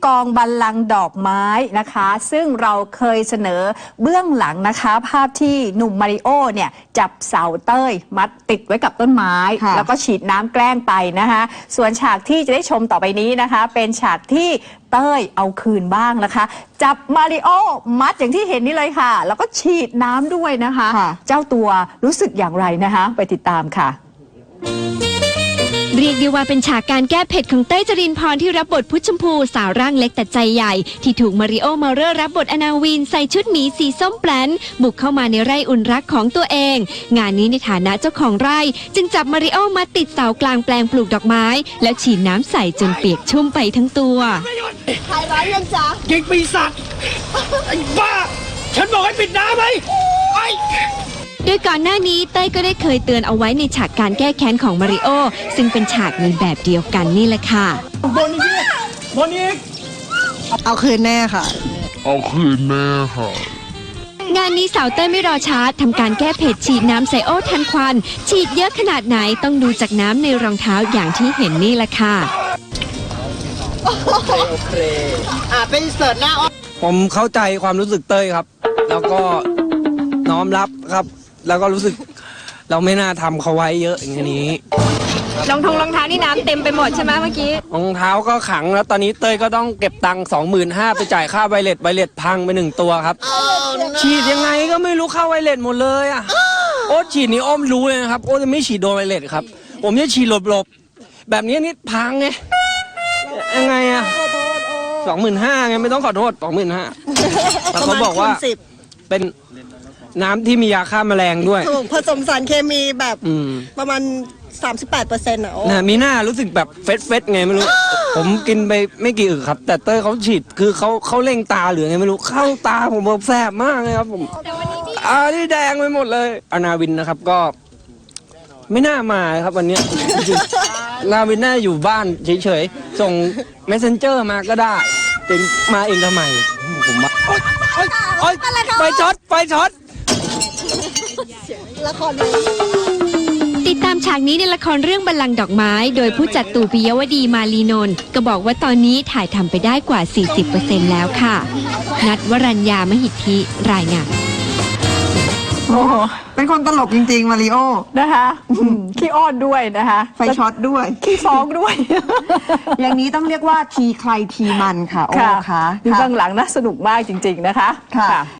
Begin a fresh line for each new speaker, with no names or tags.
กองบัลลังก์ดอกไม้นะคะซึ่งเราเคยเสนอเบื้องหลังนะคะภาพที่หนุ่มมาริโอเนี่ยจับเสาเต้ยมัดติดไว้กับต้นไม้แล้วก็ฉีดน้ำแกล้งไปนะคะส่วนฉากที่จะได้ชมต่อไปนี้นะคะเป็นฉากที่เต้ยเอาคืนบ้างนะคะจับมาริโอมัดอย่างที่เห็นนี่เลยค่ะแล้วก็ฉีดน้ำด้วยนะคะเจ้าตัวรู้สึกอย่างไรนะคะไปติดตามค่ะ
เรียกได้ว่าเป็นฉากการแก้เผ็ดของเต้ยจรินพรที่รับบทพุชชมพูสาวร่างเล็กแต่ใจใหญ่ที่ถูกมาริโอเมาเลอร์รับบทอนาวินใส่ชุดหมีสีส้มแปลนบุกเข้ามาในไร่อุ่นรักของตัวเองงานนี้ในฐานะเจ้าของไร่จึงจับมาริโอมาติดเสากลางแปลงปลูกดอกไม้แล้วฉีดน้ำใส่จนเปียกชุ่มไปทั้งตัว
ขายร้านยังจ๊ะ
ยิงปีศาจไอ้บ้าฉันบอกให้ปิดน้ำไหม
โดยก่อนหน้านี้เต้ยก็ได้เคยเตือนเอาไว้ในฉากการแก้แค้นของมาริโอซึ่งเป็นฉากในแบบเดียวกันนี่แหละค่ะ
บนอีก
เอาคืนแน่ค่ะ
งานนี้สาวเต้ยไม่รอช้าทำการแก้เผ็ดฉีดน้ำใส่โอ้ทันควันฉีดเยอะขนาดไหนต้องดูจากน้ำในรองเท้าอย่างที่เห็นนี่แหละค่ะ
โอเคเป็นเสิร์ตหน้า
ผมเข้าใจความรู้สึกเต้ยครับแล้วก็น้อมรับครับแล้วก็รู้สึกเราไม่น่าทำเขาไว้เยอะอย่างนี้
รองเท้านี่น้ำเต็มไปหมดใช่ไหมเมื่อกี้
รองเท้าก็ขังแล้วตอนนี้เต้ยก็ต้องเก็บตังค์25,000ไปจ่ายค่าไวเลสพังไป1ตัวครับฉีดยังไงก็ไม่รู้เข้าไวเลสหมดเลยอ่ะโอ๊ตฉีดนี่อ้อมรู้เลยนะครับโอ๊ตจะไม่ฉีดโดนไวเลสครับผมจะฉีดหลบแบบนี้นี่พังไงยังไงอ่ะ25,000ไงไม่ต้องขอโทษ25,000แต่เขาบอกว่าเป็นน้ำที่มียาฆ่าแมลงด้วย
ถูกผสมสารเคมีแบบประมาณ 38%อ่ะ
มีหน้ารู้สึกแบบเฟสไงไม่รู้ ผมกินไปไม่กี่อึกครับแต่เต้ยเขาฉีดคือเขาเล่งตาหรือไงไม่รู้เข้าตาผมแบบแสบมากเลยครับผมนี่แดงไปหมดเลยอนาวินนะครับก็ไม่น่ามาครับวันนี้นาวินน่าอยู่บ้านเฉยๆส่ง messenger มาก็ได้แต่มาเองทำไมผมมาไฟช็อต
ละคร
ติดตามฉากนี้ในละครเรื่องบัลลังก์ดอกไม้โดยผู้จัดตู่ปิยวดีมาลีนนท์ก็บอกว่าตอนนี้ถ่ายทำไปได้กว่า 40% แล้วค่ะนัทวรัญญามหิทธิรายงาน
โอ้
เป็นคนตลกจริงๆมาริโอ
นะคะขี้อ้อนด้วยนะคะ
ไฟช็อตด้วย
ขี้ฟ้องด้วย
อย่างนี้ต้องเรียกว่าทีใครทีมันค่ะโอ้ค่ะ
ดูเบื้องหลังนะสนุกมากจริงๆนะคะค่ะ